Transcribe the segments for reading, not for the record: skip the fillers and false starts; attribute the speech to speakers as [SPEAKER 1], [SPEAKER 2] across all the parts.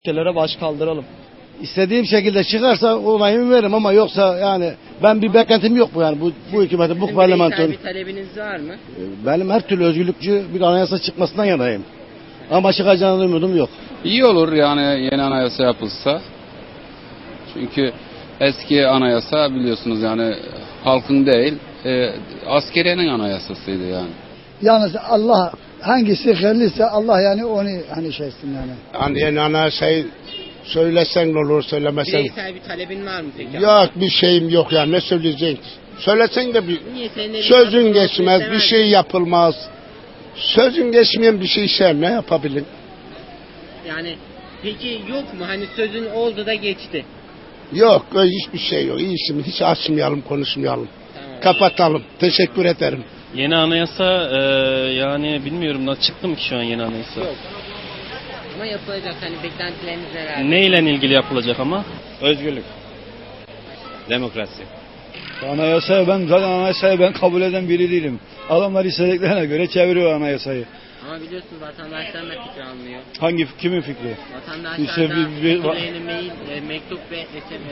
[SPEAKER 1] ülkelere baş kaldıralım.
[SPEAKER 2] İstediğim şekilde çıkarsa onayımı veririm ama yoksa yani ben bir beklentim yok bu yani bu hükümetin, bu parlamentonun.
[SPEAKER 3] Bir talebiniz var mı?
[SPEAKER 2] Benim her türlü özgürlükçü bir anayasa çıkmasından yanayım. Ama çıkacağını umudum yok.
[SPEAKER 4] İyi olur yani yeni anayasa yapılsa. Çünkü eski anayasa biliyorsunuz yani halkın değil, askeriyenin anayasasıydı yani.
[SPEAKER 5] Yalnız Allah hangisi hayırlıysa Allah yani onu hani şeysin yani.
[SPEAKER 6] Hani yeni anayasayı söylesen ne olur, söylemesen.
[SPEAKER 3] Bireysel bir talebin var mı peki?
[SPEAKER 6] Yok, bir şeyim yok ya, ne söyleyeceksin? Söylesen de bir
[SPEAKER 3] Niye senin elin
[SPEAKER 6] sözün
[SPEAKER 3] altında
[SPEAKER 6] geçmez,
[SPEAKER 3] olsun
[SPEAKER 6] bir şey
[SPEAKER 3] istemez?
[SPEAKER 6] yapılmaz. Sözün geçmeyen bir şey sen ne yapabilin?
[SPEAKER 3] Yani peki yok mu? Hani sözün oldu da geçti.
[SPEAKER 6] Yok, hiçbir şey yok. İyisi hiç açmayalım, konuşmayalım.
[SPEAKER 3] Tamam.
[SPEAKER 6] Kapatalım. Teşekkür ederim.
[SPEAKER 1] Yeni anayasa yani bilmiyorum nasıl çıktı mı ki şu an yeni anayasa?
[SPEAKER 3] Yok. Ama yapılacak, hani beklentileriniz neler?
[SPEAKER 1] Ne ile ilgili yapılacak ama?
[SPEAKER 7] Özgürlük. Demokrasi.
[SPEAKER 2] Anayasayı ben kabul eden biri değilim. Adamlar istediklerine göre çeviriyor anayasayı.
[SPEAKER 3] Ama biliyorsunuz vatandaşlar da fikir almıyor.
[SPEAKER 2] Kimin fikri?
[SPEAKER 3] Vatandaşlar
[SPEAKER 2] İşte
[SPEAKER 3] da fikirlerini mail, mektup ve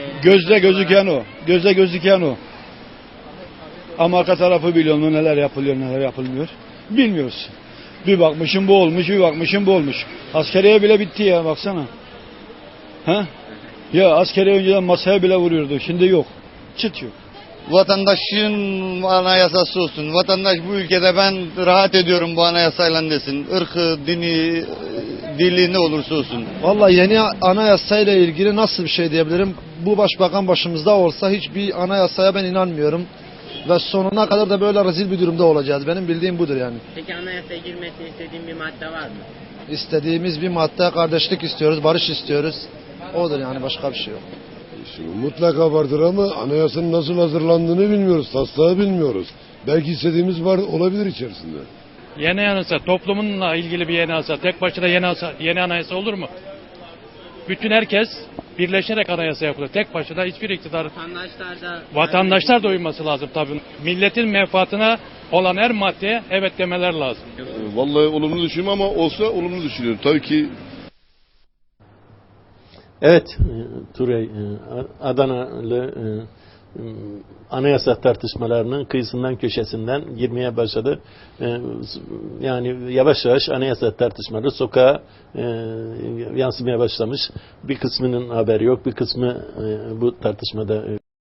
[SPEAKER 2] Gözle gözüken o. Ama arka tarafı biliyor mu, neler yapılıyor neler yapılmıyor. Bilmiyoruz. Bir bakmışım bu olmuş, bir bakmışım bu olmuş. Askeriye bile bitti ya, baksana. Ha? Ya askeriye önceden masaya bile vuruyordu, şimdi yok. Çıt yok.
[SPEAKER 8] Vatandaşın anayasası olsun. Vatandaş bu ülkede ben rahat ediyorum bu anayasayla desin. Irkı, dini, dili ne olursa olsun.
[SPEAKER 9] Vallahi yeni anayasayla ilgili nasıl bir şey diyebilirim? Bu başbakan başımızda olsa hiçbir anayasaya ben inanmıyorum. Ve sonuna kadar da böyle rezil bir durumda olacağız. Benim bildiğim budur yani.
[SPEAKER 3] Peki anayasaya girmesini istediğin bir madde var mı?
[SPEAKER 9] İstediğimiz bir madde kardeşlik istiyoruz, barış istiyoruz. Odur yani, başka bir şey yok.
[SPEAKER 10] Şimdi mutlaka vardır ama anayasanın nasıl hazırlandığını bilmiyoruz, taslağı bilmiyoruz. Belki istediğimiz var olabilir içerisinde.
[SPEAKER 11] Yeni anayasa, toplumunla ilgili bir yeni anayasa, tek başına yeni anayasa olur mu? Bütün herkes birleşerek anayasa yapılır. Tek başına hiçbir iktidar... Vatandaşlar da uyması lazım tabii. Milletin menfaatine olan her maddeye evet demeler lazım.
[SPEAKER 10] Vallahi olumlu düşünüyorum ama olsa olumlu düşünüyorum. Tabii ki.
[SPEAKER 12] Evet, Turey, Adanalı anayasa tartışmalarının kıyısından köşesinden girmeye başladı. Yani yavaş yavaş anayasa tartışmaları sokağa yansımaya başlamış. Bir kısmının haberi yok, bir kısmı bu tartışmada